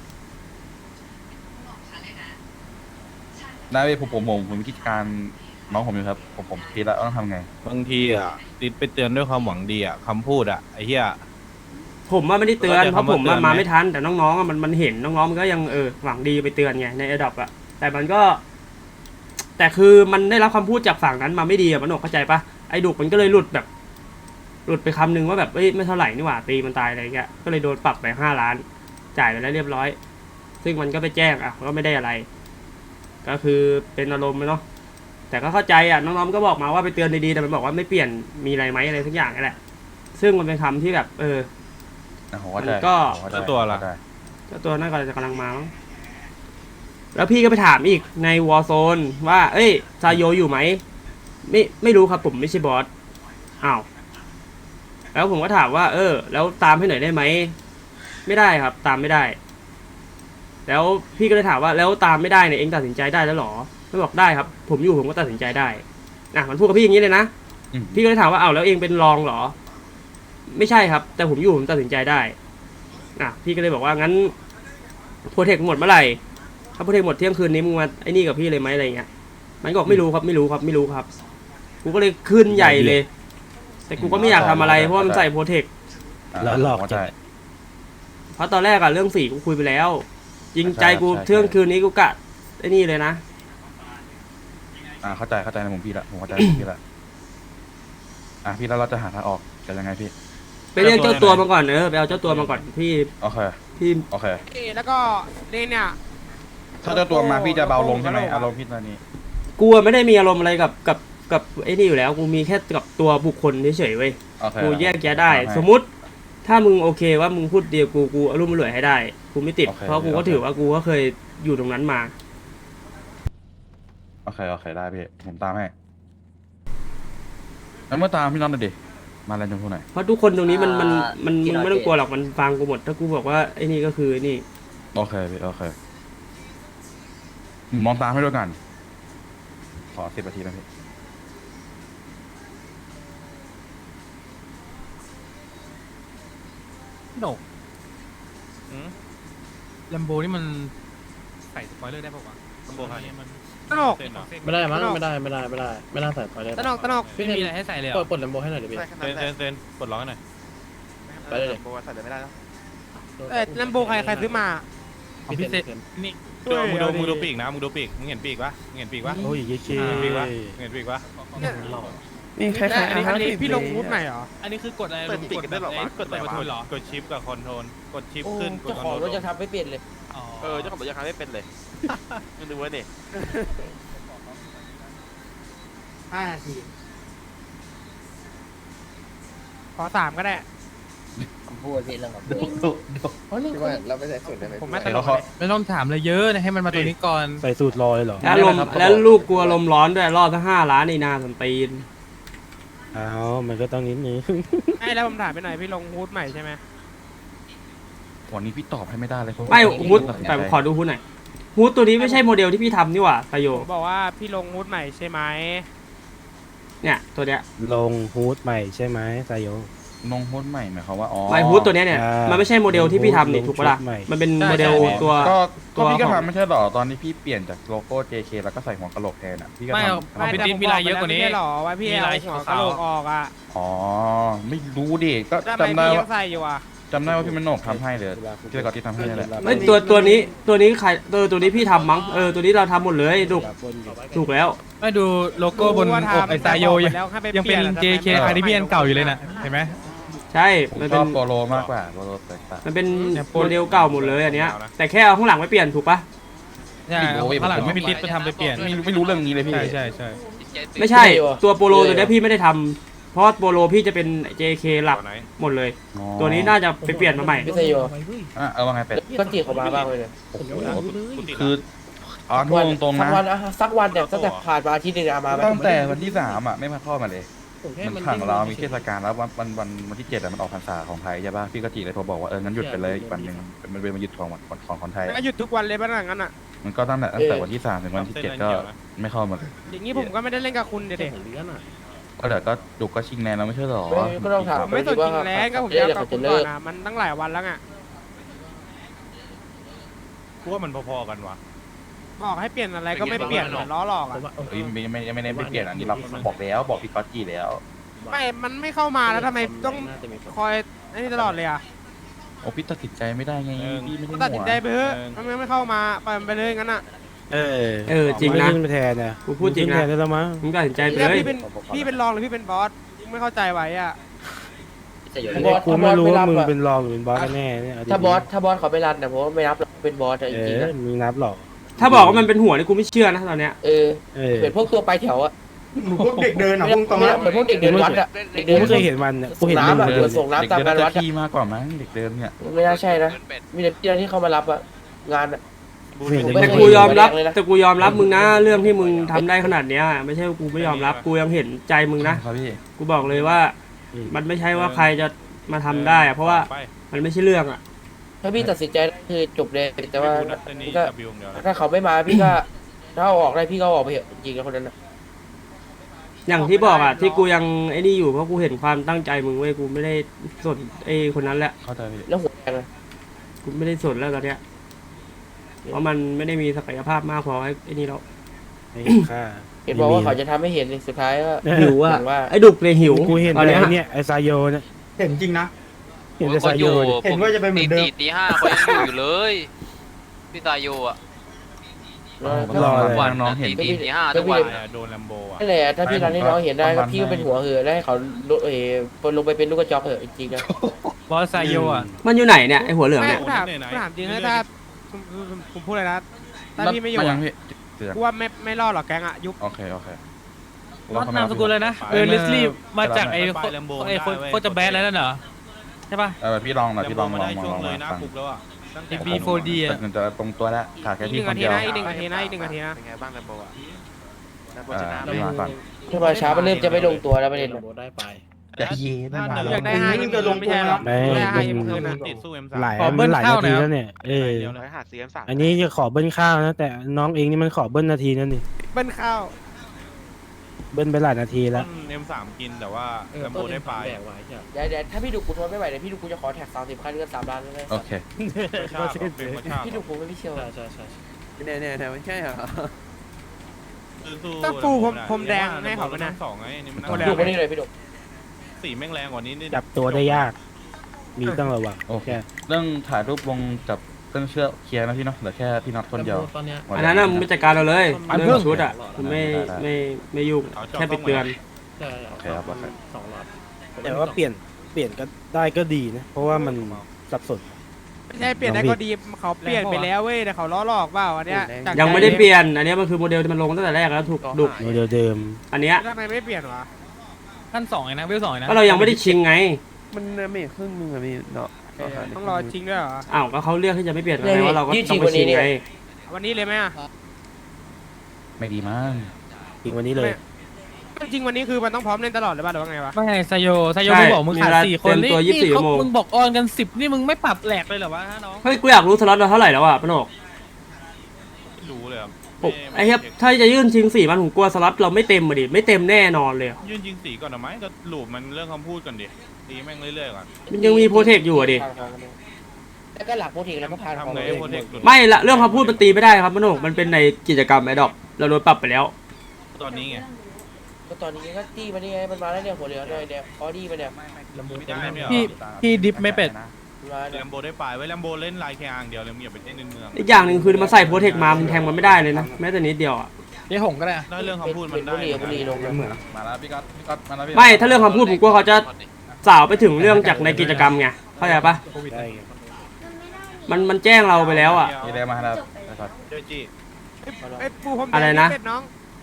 [SPEAKER 3] ได้พี่ผมคิดการน้องผมอยู่ครับผมคิดแล้วต้องทำไง
[SPEAKER 8] บางทีอ่ะติดไปเตือนด้วยความหวังดีอ่ะคำพูดอ่ะไอ้เหี้ย
[SPEAKER 4] ผมว่าไม่ได้เตือน
[SPEAKER 8] เข้าใจ
[SPEAKER 4] เพราะผม
[SPEAKER 8] คำว่าเตือนไหม
[SPEAKER 4] มาไม่ทันแต่น้องๆอะมันเห็นน้องๆมันก็ยังหวังดีไปเตือนไงในระดับอะแต่มันก็ แต่คือมันได้รับคำพูดจากฝั่งนั้นมาไม่ดีอะมันหนกเข้าใจปะไอ้ดุกมันก็เลยหลุดไปคำนึงว่าแบบเอ้ยไม่เท่าไหร่นี่หว่าตีมันตายอะไรเงี้ยก็เลยโดนปรับไป5 ล้าน จ่ายไปแล้วเรียบร้อย ซึ่งมันก็ไปแจ้งอ่ะก็ไม่ได้อะไร ก็คือเป็นอารมณ์เนาะแต่ก็เข้าใจอ่ะน้องๆก็บอกมาว่าไปเตือนดีๆแต่มันบอกว่าไม่เปลี่ยนมีอะไรไหมอะไรสักอย่างนี่แหละซึ่งมันเป็นคำที่แบบ
[SPEAKER 3] ผมเข้าใจ
[SPEAKER 4] มันก็
[SPEAKER 3] ผมเข้าใจ
[SPEAKER 8] แล้วตัวล่ะ
[SPEAKER 3] เข้าใจ
[SPEAKER 4] เจ้าตัวน่าจะกำลังมามั้งแล้วพี่ก็ไปถามอีกในวอร์โซนว่าเอ้ยซาโยอยู่ไหมไม่รู้ครับผมไม่ใช่บอสอ้าวแล้วผมก็ถามว่าแล้วตามให้หน่อยได้ไหมไม่ได้ครับ ตามไม่ได้ แล้วพี่ก็เลยถามว่าแล้วตามไม่ได้เนี่ยเองตัดสินใจได้แล้วหรอไม่บอกได้ครับ ผมอยู่ผมก็ตัดสินใจได้มันพูดกับพี่อย่างนี้เลยนะ
[SPEAKER 3] อืม
[SPEAKER 4] พี่ก็เลยถามว่าแล้วเองเป็นรองเหรอ ไม่ใช่ครับ แต่ผมอยู่ผมตัดสินใจได้พี่ก็เลยบอกว่างั้นโปรเทคหมดเมื่อไหร่ถ้าโปรเทคหมดเที่ยงคืนนี้มึงมาไอ้นี่กับพี่เลยไหมอะไรเงี้ยมันก็บอกไม่รู้ครับกูก็เลยขึ้นใหญ่เลย แต่กูก็ไม่อยากทำอะไรเพราะว่ามันใส่โปรเทค
[SPEAKER 1] แล้วหลอก
[SPEAKER 3] ผมเข้าใจ
[SPEAKER 4] เพราะตอนแรกอะเรื่องสีกูคุยไปแล้วจริงใจกู
[SPEAKER 3] ใช่
[SPEAKER 4] เที่ยงคืนนี้กูกะไอ้นี่เลยนะ
[SPEAKER 3] เข้าใจในมุมพี่ละผมเข้าใจในมุมพี่ละพี่แล้วเราจะหาทางออกกันยังไงพี่
[SPEAKER 4] ไปเรียกเจ้าตัวมาก่อนไปเอาเจ้าตัวมาก่อนพี่
[SPEAKER 3] โอเค
[SPEAKER 4] พี่
[SPEAKER 3] โอเค
[SPEAKER 7] แล้วก็เนี่ย
[SPEAKER 3] ถ้าเจ้าตัวมาพี่จะเบาลงใช่ไหมอารมณ์พี่ตอนนี้
[SPEAKER 4] กูไม่ได้มีอารมณ์อะไรกับไอ้นี่อยู่แล้วกูมีแค่กับตัวบุคคลเฉยๆเว้ย
[SPEAKER 3] โอเค
[SPEAKER 4] กูแยกแยะได้ สมมุติถ้ามึงโอเคว่ามึงพูดเดียวกูอารมณ์รวยให้ได้กูไม่ติด
[SPEAKER 3] โอเค
[SPEAKER 4] เพราะกูก็
[SPEAKER 3] โอเค
[SPEAKER 4] ถือว่ากูก็เคยอยู่ตรงนั้นมา
[SPEAKER 3] โอเคได้พี่ผมตามให้แล้วเมื่อตามพี่น้องหน่อยดิมาแลนด์ชมพูหน่อย
[SPEAKER 4] เพราะทุกคนตรงนี้มันมึง
[SPEAKER 5] ที่เรา
[SPEAKER 4] ไม่ต้องกลัวหรอกมันฟังกูหมดถ้ากูบอกว่าไอ้นี่ก็คือไอ้นี่
[SPEAKER 3] โอเคพี่โอเคผมมองตามให้ด้วยกันขอ10 นาทีนะพี่
[SPEAKER 7] โหนกลัมโบนี่มันใส่สปอยเลอร์ได้ป่าวะ
[SPEAKER 8] ลัมโบคันนี้
[SPEAKER 7] มันตนก
[SPEAKER 8] เส้นเหรอ
[SPEAKER 2] ไม่ได้มั้งไม่น่าใส่ไปเลย
[SPEAKER 7] ตนกไม่มีอะไรให้ใส่เลยเหรอ
[SPEAKER 2] ปลดลำโบให้หน่อยดิพี่
[SPEAKER 8] เส้นปลดล็อกให้หน่อย
[SPEAKER 2] ไปเลย
[SPEAKER 7] แลมโบใครซื้อมาของพี่เซนี่
[SPEAKER 8] มึงดูปีกนะมึงดูปีกมึงเห็นปีกปะมึงเห็นปีกปะ
[SPEAKER 1] โอ้ยเย้เ
[SPEAKER 8] เห็นปีกปะเห็นปีกปะ
[SPEAKER 6] นี่ใคร
[SPEAKER 7] อันนี้พี่ลงวูดใหม่เหรอ
[SPEAKER 8] อันนี้คือกดอะไรกดได้หรอวะกดอะไรหรอกดชิปกับคอนโทรลกดชิปขึ้นกด
[SPEAKER 6] เจ้า
[SPEAKER 8] คอน
[SPEAKER 6] ของ
[SPEAKER 8] โทร
[SPEAKER 6] รถ
[SPEAKER 8] ล
[SPEAKER 6] ยังทำไม่เปลี่ยนเลย
[SPEAKER 8] เจ้าของรถยังทำไม่เป็นเลยมึงดูไว้ดิ
[SPEAKER 7] 5 นาทีขอ3ก็ได้
[SPEAKER 5] ผมพูดพี่เรื่องของ
[SPEAKER 7] ผมไม่ตล
[SPEAKER 3] แล้ว
[SPEAKER 7] ก
[SPEAKER 3] เขา
[SPEAKER 7] ไม่ต้องถามอะไรเยอะให้มันมาตัวนี้ก่อน
[SPEAKER 1] ใส่สูตรลอยเหรอ
[SPEAKER 4] แล้วลูกกลัวลมร้อนด้วยรอดทั้ง5 ล้านนี่นาสันตีน
[SPEAKER 1] อ้าวมันก็ต้องนิดนึง
[SPEAKER 7] แล้วผมถามไปหน่อยพี่ลงฮูดใหม่ใช่ไหม
[SPEAKER 3] วันนี้พี่ตอบให้ไม่ได้เลย
[SPEAKER 4] ไม่ฮูดแต่ขอดูฮูดหน่อยฮูดตัวนี้ไม่ใช่โมเดลที่พี่ทำนี่หว่าตาโย
[SPEAKER 7] ผมบอกว่าพี่ลงฮูดใหม่ใช่ไหม
[SPEAKER 4] เนี่ยตัวเนี้ย
[SPEAKER 1] ลงฮูดใหม่ใช่ไหมไซโย
[SPEAKER 3] นงหุ้นใหม่หมายความว่าอ๋อ
[SPEAKER 4] ไมฮูดตัวเนี้ยเนี่ยมันไม่ใช่โมเดลที่พี่ทำนี่ถูกปะล่ะมันเป็นโมเดลตัว
[SPEAKER 3] ก็พี่ก็ทำไม่ใช่หรอตอนที่พี่เปลี่ยนจากโลโก้ JK แล้วก็ใส่หัวกะโหลกแทนอ่ะพี่ก็ทำ
[SPEAKER 7] ไม่แต่ผมบอกไปแล้วไม่ได้หรอว่าพี่เอาหัวกะโหลกออกอ่ะ
[SPEAKER 3] อ๋อไม่รู้ดิก็
[SPEAKER 7] ทำไม
[SPEAKER 3] จำได้
[SPEAKER 7] พี่ยั
[SPEAKER 3] ว่าง
[SPEAKER 7] ใส่อยู่อ่ะ
[SPEAKER 3] จำได้ว่าพี่มันโหนกทำให้เลยพี่ก็ที่ทำให้นั่นแหละ
[SPEAKER 4] ไม่ตัวนี้ใครตัวนี้พี่ทำมั้งตัวนี้เราทำหมดเลยถูกแล้ว
[SPEAKER 7] ไม่ดูโลโก้บนอกไอซายโยยังเป็น JK คาริเบียนเก่าอยู่เลยนะเห็นไหม
[SPEAKER 4] ใช่
[SPEAKER 3] ผม
[SPEAKER 4] มัน
[SPEAKER 3] ช
[SPEAKER 4] เป็
[SPEAKER 3] อน บโปโลมากกว่าโปโลแตกต่าง
[SPEAKER 4] มันเป็นโมเดลเก่าหมดเลยอันเนี้ยแต่แค่เอาข้างหลังไม่เปลี่ยนถูกปะ
[SPEAKER 7] ใช่ข้างหลังไม่มีติดไปทำไปเปลี่ยน
[SPEAKER 3] ไม่รู้เรื่องนี้เลยพี่
[SPEAKER 7] ใช่
[SPEAKER 4] ไม่ใช่ตัวโปโลตัวเนี้ยพี่ไม่ได้ทำเพราะโปโลพี่จะเป็น JK หลักหมดเลย ตัวนี้น่าจะไปเปลี่ยนมาใหม่
[SPEAKER 6] พี่เซโย
[SPEAKER 3] เอาว่าไงเป็ด
[SPEAKER 6] ก็จีเขามาบ้างเลย
[SPEAKER 3] โอ้โหคือพูดตรงๆนะ
[SPEAKER 6] สักวันเนี่ยตั้งแต่ผ่านมาอาทิตย์นึงมาไหม
[SPEAKER 3] ตั้งแต่วันที่3ไม่มาทอดมาเลยมันขังเรามีเทศกาลแล้ววันที่7มันออกพรรษาของไทยใช่ป่ะพี่ก็จีเลยโทรบอกว่างั้นหยุดไปเลยอีกวันหนึ่งมันเป็นวันหยุดของคนไทย
[SPEAKER 7] ก็หยุดทุกวันเลยป่ะงั้นอ่ะ
[SPEAKER 3] มันก็ตั้งแต่วันที่3ถึงวันที่7ก็ไม่เข้ามาเลย
[SPEAKER 7] อย่างนี้ผมก็ไม่ได้เล่นกับคุณเด็ก
[SPEAKER 3] ก็เดี๋ยวก็ดุก็ชิงแนนแล้วไม่ใช่หรอ
[SPEAKER 6] ก็ต้องถาม
[SPEAKER 7] ผมไม่สนจริงแล้วก็ผมจะเอากับคุณก่อนนะมันตั้งหลายวันแล้วไง
[SPEAKER 8] กูว่ามันพอๆกันวะ
[SPEAKER 7] บอกให้เปลี่ยนอะไรก็ไม่เปลี่ยนล้อหลอกอ่ะ
[SPEAKER 3] ไม่ได้เปลี่ยนอันนี้เราบอกพี่ก๊อตจีแล้ว
[SPEAKER 7] ไม่มันไม่เข้ามาแล้วทำไมต้องคอยนี่ตลอดเลยอ่ะ
[SPEAKER 3] โอ้พี่ตัดสินใจไม่ได้ไงพี่ไม่ได้
[SPEAKER 7] ตัดสินใจไปเถอะทำไมไม่เข้ามาปล่อยมันไปเลยงั้นอ่ะ
[SPEAKER 4] จริงนะ
[SPEAKER 1] ขึ้นไปแทนนะ
[SPEAKER 4] กูพูดจริง
[SPEAKER 1] แท
[SPEAKER 4] นะ
[SPEAKER 1] นได้แล้วมั้ง
[SPEAKER 4] มึงตัดสินใจไป
[SPEAKER 7] แล้ว
[SPEAKER 4] เลย
[SPEAKER 7] พี่เป็นรองหรือพี่เป็นบอสไม่เข้าใจไว้อ่ะ
[SPEAKER 1] กูไม่รู้ว่ามึงเป็นรองหรือเป็นบอสกันแน่เนี่ย
[SPEAKER 6] ถ้าบอสเขาไม่รันแต่ผมว่าไม่รับเป็นบอสจริงๆนะ
[SPEAKER 1] มีนับหรอ
[SPEAKER 4] ถ้าบอกว่ามันเป็นหัวนี่กูไม่เชื่อนะตอนเนี้ย
[SPEAKER 6] เหมือนพวกตัวไปแถวอะ
[SPEAKER 9] พวกเด็กเดินอ่ะพุ่งตรง
[SPEAKER 6] เหมือนพวกเด็กเดินวัดอะเด็ก
[SPEAKER 1] กู
[SPEAKER 6] เดิน
[SPEAKER 1] ไม่เคยเห็นมันเนี่ยกูเห็นมึง
[SPEAKER 6] น้ำอะ
[SPEAKER 1] เดิน
[SPEAKER 6] ส่งน้ำตามงานวัด
[SPEAKER 3] ที่มากกว่ามั้งเด็กเดินเนี่ย
[SPEAKER 6] ไม่น่าใช่นะมีแต่ที่ที่เขามารับอะงานอะ
[SPEAKER 4] แต่กูยอมรับมึงนะเรื่องที่มึงทำได้ขนาดเนี้ยไม่ใช่กูไม่ยอมรับกูยังเห็นใจมึงนะครับ
[SPEAKER 3] พี่
[SPEAKER 4] กูบอกเลยว่า มันไม่ใช่ว่าใครจะมาทำได้อะเพราะว่ามันไม่ใช่เรื่องอะ
[SPEAKER 6] ถ้าพี่ตัดสินใจคือจบเลยแต่ว่า
[SPEAKER 8] นี่
[SPEAKER 6] ก็
[SPEAKER 8] กับบิวเดียวนะ
[SPEAKER 6] ถ้าเขาไม่มาพี่ก็ถ้าเอาออกได้พี่ก็เอาออกไปเถอะจริงๆแล้วคนนั้นนะ
[SPEAKER 4] อย่างที่บอกอะที่กูยังไอ้นี่อยู่เพราะกูเห็นความตั้งใจมึงเว้ยกูไม่ได้สนไอ้คนนั้นแหละ
[SPEAKER 3] เข้าใจพี่
[SPEAKER 6] แล้วหัวแดงอะ
[SPEAKER 4] กูไม่ได้สนแล้วตอนเนี้ยเพราะมันไม่ได้มีศักยภาพมากพอไอ้นี่แล้ว
[SPEAKER 1] ค่า
[SPEAKER 6] เห็นบอกว่าเขาจะทำให้เห็นสุดท้ายก็
[SPEAKER 4] หิวอะ
[SPEAKER 6] ว่า
[SPEAKER 4] ไอ้ดุกเลยหิว
[SPEAKER 1] กูเห็น
[SPEAKER 4] ตอน
[SPEAKER 1] แต่
[SPEAKER 4] เนี้ย
[SPEAKER 1] เนี่ยไอซายโยเนี่ย
[SPEAKER 9] เห็นจริงนะ
[SPEAKER 1] เห็นแต่ซายโยเนี่ย
[SPEAKER 9] เห็นว่าจะเป็นเหมือนเดิม
[SPEAKER 10] ตีห้าเขายังอยู่เลยพี่ตายโยอ่ะ
[SPEAKER 3] วันน้องเห็น
[SPEAKER 10] ตีห้าทุกวัน
[SPEAKER 8] โดนแลมโบอ่ะ
[SPEAKER 6] นั่นแหละถ้าพี่รันให้น้องเห็นได้ก็พี่ก็เป็นหัวเหอะได้ให้เขาลงไปเป็นลูกกระจอกเหอะจริงๆนะ
[SPEAKER 7] บอสไซโยอ่ะ
[SPEAKER 4] มันอยู่ไหนเนี่ยไอ้หัวเหลือง
[SPEAKER 7] ไม่
[SPEAKER 4] เนี่ย
[SPEAKER 7] ถามจริงนะถ้าผมพูดเลยนะถ้าพี่ไม่อยู่
[SPEAKER 3] ยังพี่
[SPEAKER 7] กูว่าไม่รอดหรอกแกงอ่ะยุบ
[SPEAKER 3] โอเค
[SPEAKER 7] นามสกุลเลยนะเลสลี่มาจากไอ้โคจะแบนแล้วนั่นเหรอใช่ป่ะ
[SPEAKER 3] พี่ลองหน่อยพี่ลอง
[SPEAKER 8] ได้ช่วงเลยหน้าคุกแล้วอ่ะ
[SPEAKER 7] B4D อ่ะ
[SPEAKER 3] มันจะตรงตัวแล้วขาดแค่
[SPEAKER 7] อีก
[SPEAKER 3] พี่
[SPEAKER 7] 1
[SPEAKER 3] คน
[SPEAKER 7] นาที
[SPEAKER 3] เดียว
[SPEAKER 7] นะอีก1 นาทีนะอีก1 นาทีนะ
[SPEAKER 10] เป็นไงบ้างแลมโบอ่ะ
[SPEAKER 3] พี่มาก่อน
[SPEAKER 6] ถ้ามาช้ามันเริ่มจะไม่ลงตัวแล้วประเด็น
[SPEAKER 2] ได้ไป
[SPEAKER 3] แต่เย็น
[SPEAKER 7] อยากได้5ยิ่งจะลงไม่ใช่หรอ
[SPEAKER 1] ไม่
[SPEAKER 7] ได้
[SPEAKER 1] มั
[SPEAKER 7] 5ยิ่งคืนนะ
[SPEAKER 8] ติดสู้ M3
[SPEAKER 1] หลายมันหลายนาทีแล้วเนี่ย
[SPEAKER 10] ร้อยหาซีเอ็มสาม
[SPEAKER 1] อันนี้จะขอเบิ้ลข้าวนะแต่น้องเองนี่มันขอเบิ้ลนาทีนั่นนี่
[SPEAKER 7] เบิ้ลข้าว
[SPEAKER 1] เบิ้ลไปหลายนาทีแล้ว
[SPEAKER 8] M3 กินแต่ว่าแลมโบได้ไป
[SPEAKER 6] เดี๋ยวถ้าพี่ดูกูทนไม่ไหวเดี๋ยวพี่ดูกูจะขอแท็ก30คันเงิน3 ล้านเลย
[SPEAKER 3] โอเค
[SPEAKER 6] พี่ดูกูไม่พี่เชียว
[SPEAKER 2] ใช่
[SPEAKER 10] เนี่ยมันใช่เหรอ
[SPEAKER 8] สู้ๆ
[SPEAKER 7] ต้องปูพรมแดงให้เขาไหมนะ
[SPEAKER 8] สองไงนี่มัน
[SPEAKER 6] ดูมานี่เลยพี่ดุ
[SPEAKER 8] สีแม่งแรงกว่านี้นี่
[SPEAKER 1] จับตัวได้ยาก มีต้องระวัง
[SPEAKER 3] โอเค
[SPEAKER 1] แค่
[SPEAKER 3] เรื่องถ่ายรูปวงกับเครื่องเชือกเคลียร์นะพี่เนาะเหลือแค่พี่น็อตคนเดียว
[SPEAKER 2] ตอนเนี้ย
[SPEAKER 4] อันนั้นน่ะมึงไปจัดการเราเลยเรื่องชุดอ่ะมึงไม่ยุ่งแค่ไปเตือน
[SPEAKER 2] ใช่
[SPEAKER 3] โอเคครับโอเค
[SPEAKER 2] 2 หลอด
[SPEAKER 1] แต่ว่าเปลี่ยนก็ได้ก็ดีนะ เพราะว่ามันสับสน
[SPEAKER 7] ไม่ใช่เปลี่ยนได้ก็ดีเขาเปลี่ยนไปแล้วเว้ยแต่เขาล้อหลอกเปล่าอันเนี้ยจาก
[SPEAKER 4] ยังไม่ได้เปลี่ยนอันเนี้ยมันคือโมเดลที่มันลงตั้งแต่แรกแล้วถูกดุ
[SPEAKER 1] โมเดลเดิม
[SPEAKER 4] อันเนี้ย
[SPEAKER 7] ทำไมไม่เปลี่ยนวะขั้น2เองนะเวล2เองนะ
[SPEAKER 4] ก็เรายังไม่ได้ชิงไง
[SPEAKER 11] มันไม่ครึ่งนึงอะพี่เนาะ
[SPEAKER 7] ต้องรอจริงด้วยเหรอ
[SPEAKER 4] อ้าวก็เขาเลือกที่จะไม่เปลี่ยนไงว่าเราก็ต้องไปชิงไง
[SPEAKER 7] วันนี้เลยไหมอ่ะ
[SPEAKER 3] ไม่ดีมั้ง
[SPEAKER 1] จริงวันนี้เลย
[SPEAKER 7] จริงวันนี้คือมันต้องพร้อมเล่นตลอดหรือเปล่าหรือว่าไงวะ
[SPEAKER 12] ไม่ไซโยมึงบอกมึงขาด4 คนนี่มึงบอกออนกัน10นี่มึงไม่ปรับแหลกเลยเหรอวะน้อง
[SPEAKER 4] เฮ้ยกูอยากรู้สล็อตเราเท่าไหร่แล้วอ่ะปนก
[SPEAKER 8] ไม่รู้เลยครับ
[SPEAKER 4] ไอ้เหี้ยถ้าจะยื่นชิง4มันผมกลัวสล็อตเราไม่เต็มมาดิไม่เต็มแน่นอนเลย
[SPEAKER 8] ยื่นยิงสีก่อนหรือไม่ก็หลูบมันเรื่องคำพูดก่อนดิตีแม่งเรื่อยๆก่อน
[SPEAKER 4] มันยังมีโปรเทคอยู่อ่ะดิ
[SPEAKER 6] แล้วก็หลักโปรทีแล้วก็พา
[SPEAKER 8] ทำไงโปรเทค
[SPEAKER 4] ไม่ละเรื่องคำพูดมันตีไม่ได้ครับปนกมันเป็นในกิจกรรมไอ้ดอกเราโดนปรับไปแล้ว
[SPEAKER 8] ตอนนี้ไง
[SPEAKER 6] ก็ตอนนี้ก็ตี้มานี่ไงมันมาแล้วเนี่ยหัวเหลืองเลยเนี่ยออดี้มาเนี่ย
[SPEAKER 12] พี่ดิฟไม่เป็ด
[SPEAKER 6] มา
[SPEAKER 8] แลมโบได้ปลายไว้แลมโบเล่นลายแค่อ่างเดียวเลยมึงอย่าไปเล่นในเมือง
[SPEAKER 4] อีกอย่างหนึ่งคือมันใส่โปรเทคมามันแทงมันไม่ได้เลยนะแม้แต่นิดเดียวอ่ะ
[SPEAKER 12] เดี๋ยวหงก็ได้
[SPEAKER 8] ได้เรื่องคำพูดมันได้
[SPEAKER 6] บุรีลงเหมือน
[SPEAKER 3] มาแล้วพี่ก๊อตมาแล้วพี่
[SPEAKER 4] ไม่ถ้าเรื่องคำพูดผมกลัวเขาจะสาวไปถึงเรื่องจากในกิจกรรมไงเข้าใจปะ
[SPEAKER 1] ได้ไง
[SPEAKER 4] มันแจ้งเราไปแล้วอ่ะ
[SPEAKER 3] มีอะไรมาแล้วนะครับ
[SPEAKER 8] เจ้าจี้
[SPEAKER 7] ไอ้ปูพรมแดง
[SPEAKER 4] อะไรนะ
[SPEAKER 7] เป็ดน้อง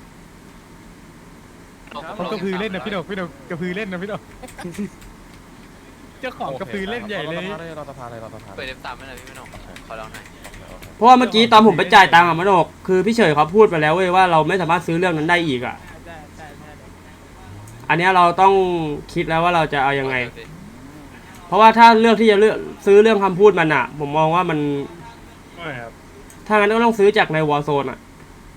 [SPEAKER 12] เขากระพือเล่นนะพี่ดอกกระพือเล่นนะพี่ดอกเจ้าของกระพือเล่นใหญ่เลย
[SPEAKER 3] รอสภาเลยรอสภา
[SPEAKER 10] เปิดF3ไม่หน่อยพี่ไม่หนกขอลองหน่อย
[SPEAKER 4] เพราะว่าเมื่อกี้ตอนผมไปจ่ายตังค์อะมโนกคือพี่เฉยเขาพูดไปแล้วเว้ยว่าเราไม่สามารถซื้อเรื่องนั้นได้อีกอ่ะ อันเนี้ยเราต้องคิดแล้วว่าเราจะเอายังไง เพราะว่าถ้าเลือกที่จะเลือกซื้อเรื่องคำพูดมันอ่ะ ผมมองว่ามันถ้างั้นก็ต้องซื้อจากในวอร์โซนอ่ะ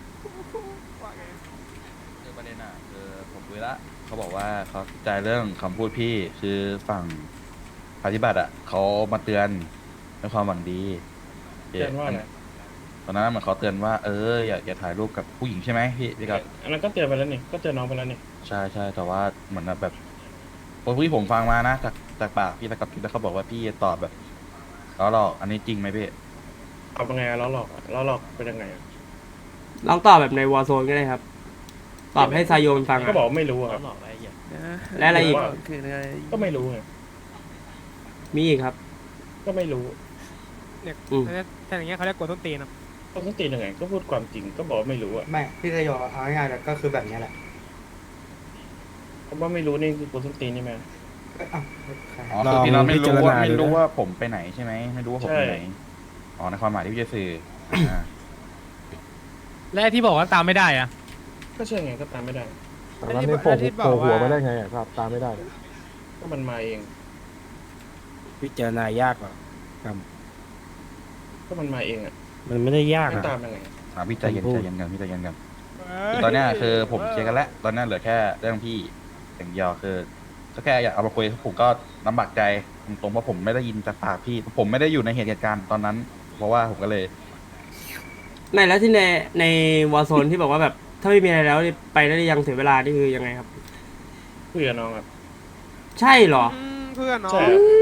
[SPEAKER 3] คือประเด็นอ่ะคือผมคุยละเขาบอกว่าเขาติดใจเรื่องคำพูดพี่คือฝั่งปฏิบัติอ่ะเขามาเตือนด้วยความหวังดี
[SPEAKER 2] เตือนว่าอะไร
[SPEAKER 3] ตอนนั้นเหมือนเขาเตือนว่าอย่าถ่ายรูปกับผู้หญิงใช่ไหมพี่ครับ
[SPEAKER 2] อันนั้นก็เตือนไปแล้วนี่ก็เตือนน้องไปแล้วนี่
[SPEAKER 3] ใช่แต่ว่าเหมือนแบบที่ผมฟังมานะจากปากพี่ตะกับพี่แล้วเขาบอกว่าพี่ตอบแบบแล้วหรอกอันนี้จริงไหมพี่
[SPEAKER 2] เอาเป็นไงล้อหลอกเป็นยังไง
[SPEAKER 4] ลองตอบแบบในวอร์โซนก็ได้ครับ ตอบให้ไซโยมันฟัง
[SPEAKER 2] ก็
[SPEAKER 4] อ่ะ
[SPEAKER 2] บอกไม่รู้ครับ
[SPEAKER 4] และอะไรอีก
[SPEAKER 11] คือไง
[SPEAKER 2] ก็ไม่รู้ไง
[SPEAKER 4] มีอีกครับ
[SPEAKER 2] ก็ไม่รู้
[SPEAKER 7] แต่อย่างเงี้ยเขาเรียกกดต้นตีนนะ
[SPEAKER 2] ก็ต้องตียังไงก็พูดความจริงก็บอกไม่รู้อ่ะ
[SPEAKER 9] ไม่พี่จะยอมเอาง่ายๆก็คือแบบนี้แหละ
[SPEAKER 2] เพราะว่าไม่รู้นี่คือกูต้องตีนี่ไหม
[SPEAKER 3] อ๋อคือพี่น้องไม่รู้ว่าผมไปไหนใช่ไหมไม่รู้ว่าผมไปไหนอ๋อในความหมายที่พี่จะสื่อ
[SPEAKER 12] และที่บอกว่าตามไม่ได้อะ
[SPEAKER 2] ก็ใช่ไงก็ตามไม่ได้
[SPEAKER 7] แล้วที่บอกว่า
[SPEAKER 2] ก็มันมาเอง
[SPEAKER 1] พิจารณายากกว่า
[SPEAKER 2] ก็มันมาเองอ่ะ
[SPEAKER 1] มันไม่ได้ยาก
[SPEAKER 2] ไม่
[SPEAKER 1] อะ
[SPEAKER 2] ตามยังไง
[SPEAKER 3] พี่ใจเย็นกันพี่ใจเย็นกันตอนเนี้ยคือผมเคลียร์กันแล้วตอนนี้เหลือแค่เรื่องพี่อย่างเดียวคือก็แค่อยากเอามาคุยผมก็ลำบากใจตรงๆว่าผมไม่ได้ยินจากปากพี่ผมไม่ได้อยู่ในเหตุการณ์ตอนนั้น เพราะว่าผมก็เลย
[SPEAKER 4] ในแล้วที่ในวอร์โซนที่บอกว่าแบบถ้าไม่มีอะไรแล้วไปได้ยังเสียเวลานี่คือยังไงครับ
[SPEAKER 2] คุยกับน้องครับ
[SPEAKER 4] ใช่เหรอ
[SPEAKER 7] เพื่อนน้อง
[SPEAKER 2] ใช่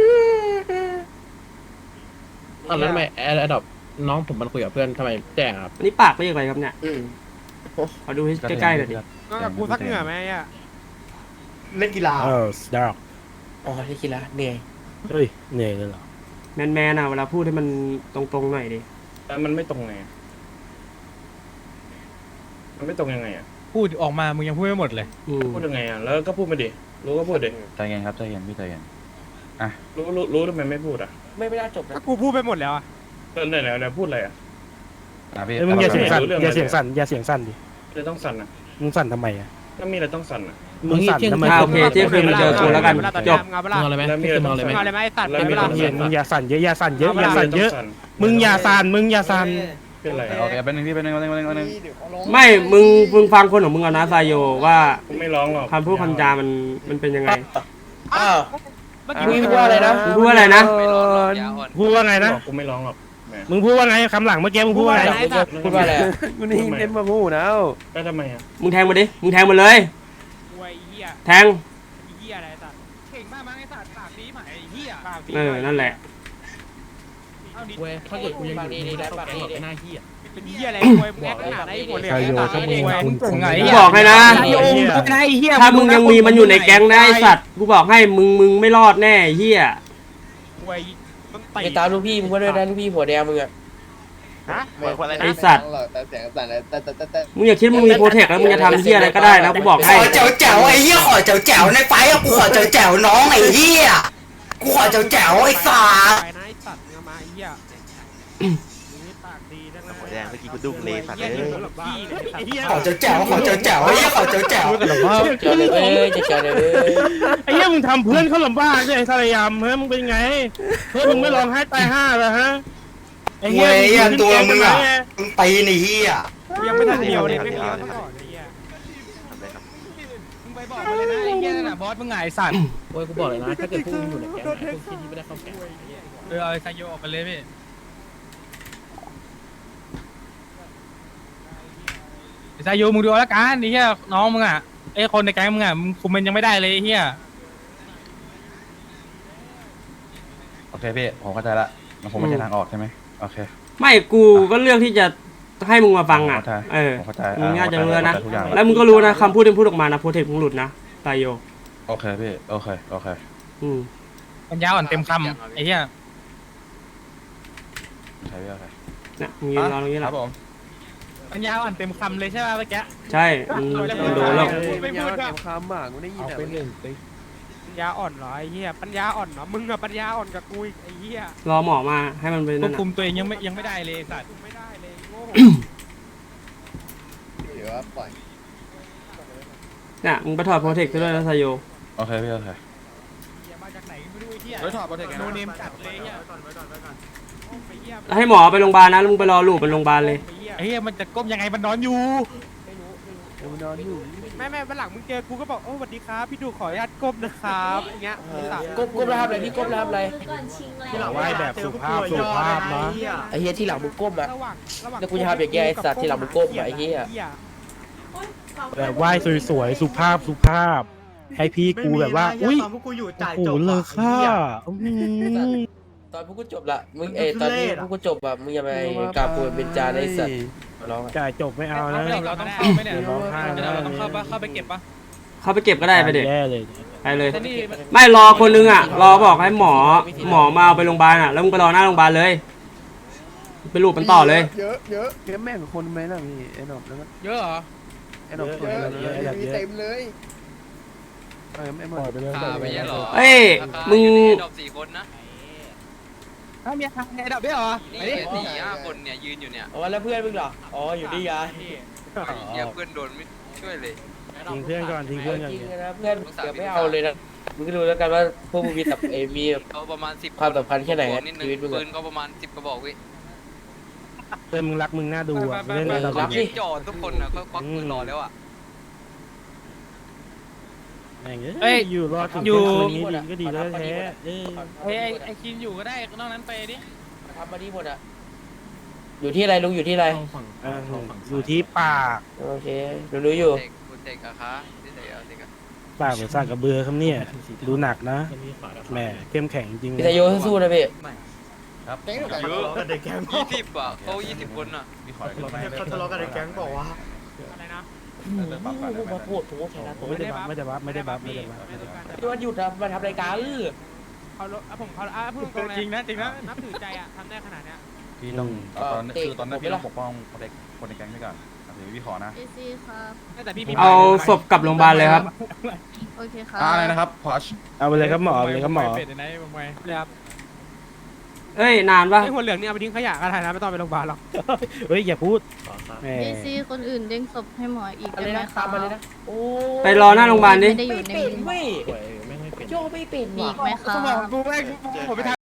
[SPEAKER 2] แล้วทำไมแอดดอปน้องผมมันคุยกับเพื่อนทำไมแจ้งครับ
[SPEAKER 4] อันนี้ปากไม่ยังไงครับเนี่ยขอดูให้ใกล้ๆหน่อยดิ
[SPEAKER 7] น้องกับกูสักเหงื่อไหมอ่ะ
[SPEAKER 9] เล่นกีฬา
[SPEAKER 1] สดาร์
[SPEAKER 6] อ๋อที่คิดละเหนื่อย
[SPEAKER 1] เฮ้ยเหนื่อยเลยเหรอ
[SPEAKER 4] แมนๆนะเวลาพูดให้มันตรงๆหน่อยดิ
[SPEAKER 2] แล้วมันไม่ตรงไงมันไม่ตรงยังไงอ่ะ
[SPEAKER 12] พูดออกมามึงยังพูดไม่หมดเลย
[SPEAKER 2] พูดยังไงอ่ะแล้วก็พูดมาดิรู้ก็พูดดิ
[SPEAKER 3] ใจเย็นครับใจเย็นพี่ใจเย็น
[SPEAKER 2] รู้ทำไมไม่พูดอ่ะ
[SPEAKER 6] ไม่น่าจบนะ
[SPEAKER 7] กูพูดไปหมดแล้วอ่ะ
[SPEAKER 2] แล้วพูดอะไรอ่ะ
[SPEAKER 3] พี่
[SPEAKER 1] เอ้ยมึงอย่าเสียงสั่น
[SPEAKER 2] รู้เรื่อง
[SPEAKER 1] อย่าเสียงสั่นอย่าเสียงสั่นดิ
[SPEAKER 2] เลยต้องสั่นอ่ะ
[SPEAKER 1] มึงสั่นทำไมอ่ะ
[SPEAKER 2] ก็มีอะไรต้องสั่นอ่ะ
[SPEAKER 1] มึงสั่นทำไม
[SPEAKER 4] โอเคเที่ยงคืนมาเจอกูแล้วกันจบ
[SPEAKER 7] เงาเปล่า
[SPEAKER 12] มึงเอาอะไรไหม
[SPEAKER 2] แล้วมีอะไรต้องสั่น
[SPEAKER 7] เงาอะไรไหมไอ้สัตว์
[SPEAKER 2] แล้ว
[SPEAKER 7] เป็น
[SPEAKER 2] มี
[SPEAKER 7] เว
[SPEAKER 2] อะไร
[SPEAKER 7] ลา
[SPEAKER 2] ต้อง
[SPEAKER 1] เย็
[SPEAKER 2] สั่
[SPEAKER 1] น
[SPEAKER 2] น
[SPEAKER 1] มึงอย่าสั่นเยอะอย่าสั่นเยอะอย่าสั่นเยอะ มึงอย่าสั่นมึงอย่าสั่น
[SPEAKER 2] เป็นไร
[SPEAKER 3] โอเคเป็นหนึ่งพี่เป็นหนึ่ง
[SPEAKER 4] ไม่มึงฟังคนของมึงเอานะไซโยว่า
[SPEAKER 2] กูไม่ร้องหรอก
[SPEAKER 4] คำพูดคำจามันเป็นยังไง
[SPEAKER 6] อ้าว
[SPEAKER 7] เมื่อ
[SPEAKER 6] มึง
[SPEAKER 7] กี้
[SPEAKER 6] พูดว่าอะไรนะ
[SPEAKER 4] มึงพูดว่าอะไรนะ
[SPEAKER 10] ไม่ร้อนหรอกยาอ่อน
[SPEAKER 1] พูดว่าไงนะ
[SPEAKER 2] กูไม่ร้องหรอก
[SPEAKER 1] มึงพูดว่าไงคำหลังเมื่อกี้มึงพูดว่าไง
[SPEAKER 6] พูดว่าอะไรอะ
[SPEAKER 11] กูนี่เน้นมาพูดนะ
[SPEAKER 1] ได้ทำไมอ่ะ
[SPEAKER 4] มึงแทงมาดิมึงแทงมาเลย
[SPEAKER 12] ไอ้เหี้ย
[SPEAKER 4] แทง
[SPEAKER 12] ไอ้เหี้ยอะไรสัตว์เก่งมากมั้งไอ้สัตว์ปากดีไหมไอ้เหี้ยปากดี
[SPEAKER 4] นั่นแหละ
[SPEAKER 12] เอาดิ
[SPEAKER 2] เว้ยถ้าเกิดกูยังอยู่
[SPEAKER 6] ดีได้ปากดี
[SPEAKER 2] เป็นหน้าที่
[SPEAKER 12] เป็นเหี้ยอะไรมวยมึงแอคขนาดไหนหัวเหลี่ยมมึงเก่งไง
[SPEAKER 4] กูบอกให้นะ
[SPEAKER 12] โยมไอ้เหี้ย
[SPEAKER 4] ถ้ามึงยังมีมันอยู่ในแก๊งนะไอสัตว์กูบอกให้มึงไม่รอดแน่ไอ้เฮีย
[SPEAKER 12] มวยต้อง
[SPEAKER 6] ไปตามลูกพี่มึงก็ด้วยนะลูกพี่หัวแดงมึงอะ
[SPEAKER 4] ไอสัตว์มึงอย่าคิดมึงมีโปรเทคแล้วมึงจะทำเฮียอะไรก็ได้นะกูบอกให้
[SPEAKER 9] ขอแจ๋วไอ้เหี้ยขอแจ๋วในไฟอะกูขอแจ๋วน้องไอ้เหี้ยกูขอแจ๋วไอ้สา
[SPEAKER 12] ไปนะไอ้สัตว์มึงมาไอ้เหี้ยนี่ปากดีทั้งนั้น
[SPEAKER 8] แดงเมื่อกี้กูดุ้งเลยสัตว์
[SPEAKER 12] เหี้ยนี่หัวหลับบ้าไอ้เหี้ย
[SPEAKER 9] ขอแจ๋วไอ้เหี้ยขอแจ๋ว
[SPEAKER 6] เจอเลยเว้ยจะเจอเลยเว้ย
[SPEAKER 1] ไอ้เหี้ยมึงทำเพื่อนเขาลำบากเนี่ยไอ้ทารยามเฮ้ยมึงเป็นไงเฮ้ยมึงไม่ร้องไห้ตายห่าเหรอฮะไอ้
[SPEAKER 9] ม
[SPEAKER 1] เหี้
[SPEAKER 9] วย ยอะตัวมึงอะ
[SPEAKER 1] ไ
[SPEAKER 9] มึงตีหนีอะ
[SPEAKER 12] ยังไม่ทันเดียวเลยไม่เดียวซะก่อนไอ้เหี้ยมึงไปบอกมาเลยนะไอ้เหี้ยนั่นน่ะบอสมึงไงไอ้สัตว์
[SPEAKER 2] โอ้ยกูบอกเลยนะถ้าเกิดพวกมึงอยู่ในแก๊งนะพวกที่ไม่ได้เข้าแก๊ง
[SPEAKER 12] เอาไอ้ไซโยออกไปเลยพี่ไอ้ไซโยมึงดูเอาละกันไอ้เหี้ยน้องมึงอ่ะไอ้คนในแก๊งมึงอ่ะมึงคุมมันยังไม่ได้เลยไอ้เหี้ย
[SPEAKER 3] โอเคพี่ผมเข้าใจละมันคงไม่ใช่ทางออกใช่ไหมโอเค
[SPEAKER 4] ไม่กูก็เลือกที่จะให้มึงมาฟังอ่ะ
[SPEAKER 3] ผมเข้าใจ
[SPEAKER 4] เออ
[SPEAKER 3] ผมเข้าใจ
[SPEAKER 4] มึงน่าจะรู้แล้วนะ
[SPEAKER 3] เข้าใจทุกอย่าง
[SPEAKER 4] แล้วมึงก็รู้นะคำพูดที่มึงพูดออกมานะโปรเทคมึงหลุดนะตายโย
[SPEAKER 3] โอเคพี่โอเคโอเค
[SPEAKER 12] ปัญญาอ่อนเต็มคำไอ้เหี้ย
[SPEAKER 3] ใช่พี่โอเค
[SPEAKER 4] เนี่ยมึงยืนรอตรงนี้แห
[SPEAKER 3] ค
[SPEAKER 4] ละ
[SPEAKER 3] รับผม
[SPEAKER 12] ปัญญาอ่อนเต็มคำเลยใช่ป่ะเมื่อกี้
[SPEAKER 4] ใช่มึงโดนแล้ว
[SPEAKER 12] ไม่พูด
[SPEAKER 11] เก็
[SPEAKER 12] อะ
[SPEAKER 11] บคำอ่ะกูได้ยิน
[SPEAKER 2] เอา
[SPEAKER 11] แต่
[SPEAKER 2] ไปหนึ่งไป
[SPEAKER 12] ปัญญาอ่อนเหรอไอ้เหี้ยปัญญาอ่อนเหรอมึงอะปัญญาอ่อนกับกูอีกไอ้เหี้ย
[SPEAKER 4] รอหมอมาให้มันเป็น
[SPEAKER 12] คว
[SPEAKER 4] นั่
[SPEAKER 12] บ
[SPEAKER 4] น
[SPEAKER 12] คุ
[SPEAKER 4] น่ะ
[SPEAKER 12] มตัวเองยังไม่ได้เลยสัตว์ไม่ได้เลยโง่
[SPEAKER 4] เนี่ยมึงไปถอดโปรเทคไปด้วยนะตายโย
[SPEAKER 3] โอเคพี่โอเค
[SPEAKER 12] มาจากไหนไม่รู้ไอ้เหี้ย
[SPEAKER 3] เฮ้ยถอดโปรเทคไงนะ
[SPEAKER 12] โนเนมจัดเลยไอ้เหี้ยไอ้เหี้ย
[SPEAKER 4] ให้หมอไปโรงพยาบาลนะแล้วมึงไปรอลูกไปโรงพยาบาลเลย
[SPEAKER 12] ไอ้เหี้ยมันจะก้มยังไงมันนอนอยู่
[SPEAKER 11] กูนอนอยู่
[SPEAKER 12] แม่วันหลังมึงเจอกูก็บอกโอ้สวัสดีครับพี่ดูขออนุญาตก้มนะครับอย่างเงี้ยไอ้สัตว์
[SPEAKER 6] ก้มแล้วทำอะไรพี่ก้มแล้วทำอะไร
[SPEAKER 1] ไหว้แบบสุภาพเนาะ
[SPEAKER 6] ไอ้เหี้ยที่หลังมึงก้มอะ
[SPEAKER 12] ระหว่าง
[SPEAKER 6] แล้วกูจะทำอย่างเงี้ยไอ้สัตว์ที่หลังมึงก้มอะไอ้เหี้ย
[SPEAKER 1] แบบไหว้สวยๆสุภาพให้พี่กูแบบว่าอุ้ย
[SPEAKER 9] พวกกูอยู่จ่าย
[SPEAKER 1] โอ้
[SPEAKER 9] จ
[SPEAKER 1] โห
[SPEAKER 9] บ
[SPEAKER 1] เลยค่ะ
[SPEAKER 6] ตอนพวกกูจบละมึงตอนนี้พวกกูจบอะมึงอย่าไปกราบปูนเป็นจานไอ้สัตว์ร้องอะ
[SPEAKER 1] จ่ายจบไม่เอานะ
[SPEAKER 12] เราต้องเข้าไหมเนี่ย
[SPEAKER 1] ร้องไห้
[SPEAKER 12] เราต้องเข้าไปเก็บปะ
[SPEAKER 4] เข้าไปเก็บก็ได้ไปเด็ก
[SPEAKER 1] แย่เลย
[SPEAKER 4] ไปเลย
[SPEAKER 12] แต่นี่
[SPEAKER 4] ไม่รอคนนึงอ่ะรอบอกให้หมอมาเอาไปโรงพยาบาลอ่ะแล้วมึงไปรอหน้าโรงพยาบาลเลยไปรูปมันต่อเลย
[SPEAKER 11] เยอะเก็บแม่งคนไหมล่ะพี่ไอ้หนอบแล้วก็
[SPEAKER 12] เยอะเหรอ
[SPEAKER 11] ไอ้หนอบคนเต็มเลยไม่หมดไปเลย
[SPEAKER 10] ไม่ใช่หรอ
[SPEAKER 4] เอ้ยมึง
[SPEAKER 10] ดอก4 คนนะ
[SPEAKER 12] มีทางไอ้ดับด้วยเหรอ
[SPEAKER 10] นี่4-5 คนเนี่ยยืนอยู่เนี่ย
[SPEAKER 6] อ๋อแล้วเพื่อนมึงเหรออ๋ออยู่นี่ไง
[SPEAKER 10] เดี๋ยวเพื่อนโดนไม่ช่วยเลย
[SPEAKER 1] ทิ้งเพื่อนก่อนทิ้งเพื่อนก่อน
[SPEAKER 6] จริงๆนะเพื่อนเกือบไม่เอาเลยนะมึงก็ดูแล้วกันว่าพวกมึงมีแบบมี
[SPEAKER 10] เขาประมาณ10
[SPEAKER 6] ความสำคัญแค่ไหน
[SPEAKER 10] นิดนึง
[SPEAKER 6] ชีวิตมึง
[SPEAKER 10] ปื
[SPEAKER 6] อะ
[SPEAKER 10] นก็ประมาณ10 กระบอกเว้ย
[SPEAKER 1] เพื่อนมึงรักมึงน่าดูอ่ะเล่นอะไร
[SPEAKER 6] รักดิ
[SPEAKER 10] จอดทุกคนอ่ะก็ควักปืนรอแล้วอ่ะ
[SPEAKER 1] แม่งเอ้ยอยู่รอถึงคืนนี้ดีก็ดีแล้วแท้
[SPEAKER 12] ไอ้คินอยู่ก็ได้นอกนั้นไปดิ
[SPEAKER 6] ทำมาดีหมดอะอยู่ที่อะไรลุงอยู่ที่อะไร
[SPEAKER 1] อยู่ที่ปาก
[SPEAKER 6] โอเครู้อยู่
[SPEAKER 10] เด็กอะคะที่ไหนเอาเด็กอะ
[SPEAKER 1] ปากเหมือนสร้างกระเบือครับเนี่ยดูหนักนะแหมเข้มแข็งจริง
[SPEAKER 6] พี่ทายโยสู้ๆนะพี่
[SPEAKER 3] ครับ
[SPEAKER 10] เยอะ20อ่ะเขา20 คนอ่ะ
[SPEAKER 3] พี่ขออีกรอบไหม
[SPEAKER 9] เขาทะเลาะกันในแก๊งบอกว่า
[SPEAKER 12] อะไรนะ
[SPEAKER 6] มาพูดถูกแค่นั้น
[SPEAKER 1] ไม่ได้บัฟไม่ได้บัฟ
[SPEAKER 6] ตัวหยุดนะมาทำรายการ
[SPEAKER 12] เขาผมพูดตรงๆเลยจริงนะนับถือใจอ่ะทำได้ขนาดเนี้ย
[SPEAKER 3] พี่ต้องตอนนั้นพี่ต้องปกป้องคนในแก๊งด้วยก่อนเดี๋ยวพี่ขอนะ
[SPEAKER 12] แต่พี่
[SPEAKER 4] เอาศพกลับโรงพยาบาลเลยครับ
[SPEAKER 13] โอเคค่ะ
[SPEAKER 3] อะไรนะครับพอช
[SPEAKER 1] เอาไปเลยครับหมอเอาไปเลยครับหมอ
[SPEAKER 12] เป็ดไหนมึงไปเลยครับ
[SPEAKER 4] เอ้ยนานปะ
[SPEAKER 12] ไอ้หัวเหลืองนี่เอาไปทิ้งขยะก็ได้นะไม่ต้องไปโรงพยาบาลหรอก
[SPEAKER 1] เฮ้ยอย่าพูดแหม
[SPEAKER 13] ดีซีคนอื่นเด้งศพให้หมออีก
[SPEAKER 6] อะไร
[SPEAKER 13] ได้ไหม
[SPEAKER 6] นะ
[SPEAKER 13] คะ
[SPEAKER 6] ตามมาเลยนะโอ้
[SPEAKER 4] ไปรอหน้าโรงพยาบาลดิ
[SPEAKER 13] ไม่ได้อยู่ในมือหมอ
[SPEAKER 6] โจไม่เป็น
[SPEAKER 13] มีอีกไหมคะ
[SPEAKER 12] สมองกูแม่งผมไปทำ